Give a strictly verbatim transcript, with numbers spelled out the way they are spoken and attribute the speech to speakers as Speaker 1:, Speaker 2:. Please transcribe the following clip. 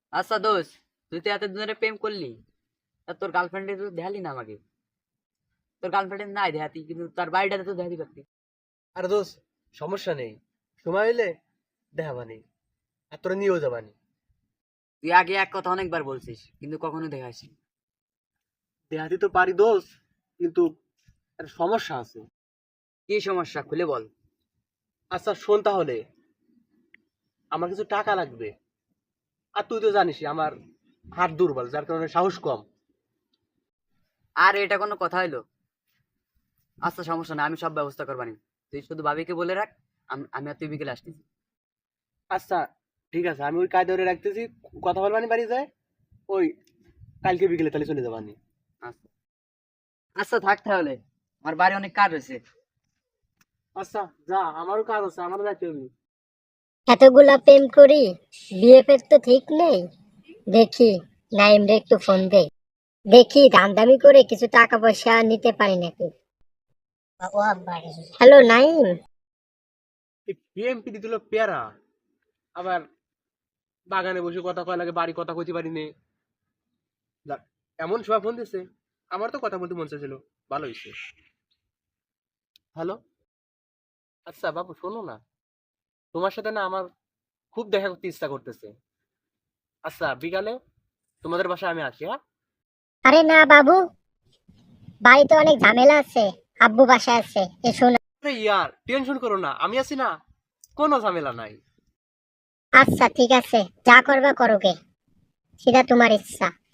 Speaker 1: আচ্ছা দোষ, তুই তো এতদিন ধরে প্রেম করলি, তা তোর গার্লফ্রেন্ডে তো দেখালি না আমাকে। তোর গার্লফ্রেন্ড নাই দেখাতি, কিন্তু তার বাড়িটাতে তো দেখাতে পারতি।
Speaker 2: আরে দোস্ত, সমস্যা নেই, সময় হইলে দেখাবানি, আর তোরা নিয়েও যাবানি।
Speaker 1: তুই আগে এক কথা অনেকবার বলছিস, কিন্তু কখনো দেখাসনি।
Speaker 2: দেখাতে তো পারি দোস্ত, কিন্তু একটা সমস্যা আছে।
Speaker 1: কি সমস্যা খুলে বল।
Speaker 2: আচ্ছা শোন তাহলে, আমার কিছু টাকা লাগবে। আর তুই তো জানিসই আমার হাত দুর্বল, যার কারণে সাহস কম।
Speaker 1: আর এটা কোনো কথা হইলো? আচ্ছা সমস্যা না, আমি সব ব্যবস্থা করবানি। তুই শুধু ভাবিকে বলে রাখ, আম- আমি আর তুই বিকেলে আসতেছি।
Speaker 2: আচ্ছা ঠিক আছে, আমি ওই কায়দা ধরে রাখতেছি, কথা বলবানি বাড়ি যায়। ওই কালকে বিকেলে তাহলে চলে যাবানি।
Speaker 1: আচ্ছা আচ্ছা থাক তাহলে, আমার বাড়ি অনেক কাজ হয়েছে।
Speaker 2: আচ্ছা যা, আমারও কাজ আছে, আমারও যাইতে হবে।
Speaker 3: এতগুলা প্রেম করি, বিএফের তো ঠিক নেই। দেখি নাইম রে একটু ফোন দে, দেখি দামদামি করে কিছু টাকা পয়সা নিতে পারি নাকি। হ্যালো নাইম।
Speaker 2: এই বিএমপি দিল পেয়ারা, আবার বাগানে বসে কথা কয় লাগে, বাড়ি কথা কইতে পারি নে। যাক, এমন সময় ফোন দিছে, আমার তো কথা বলতে মন চাইছিল, ভালো হয়েছে। হ্যালো, আচ্ছা বাবু শোনো না, তোমার সাথে না আমার খুব দেখা করতে ইচ্ছা করতেছে। আচ্ছা বিকালে তোমাদের বাসায় আমি আসি, হ্যাঁ?
Speaker 3: আরে না বাবু, বাড়িতে অনেক ঝামেলা আছে, আব্বু বাসায় আছে, এসো না।
Speaker 2: আরে ইয়ার টেনশন করো না, আমি আছি না, কোনো ঝামেলা নাই।
Speaker 3: আচ্ছা ঠিক আছে, যা করবা করোগে, সেটা তোমার ইচ্ছা।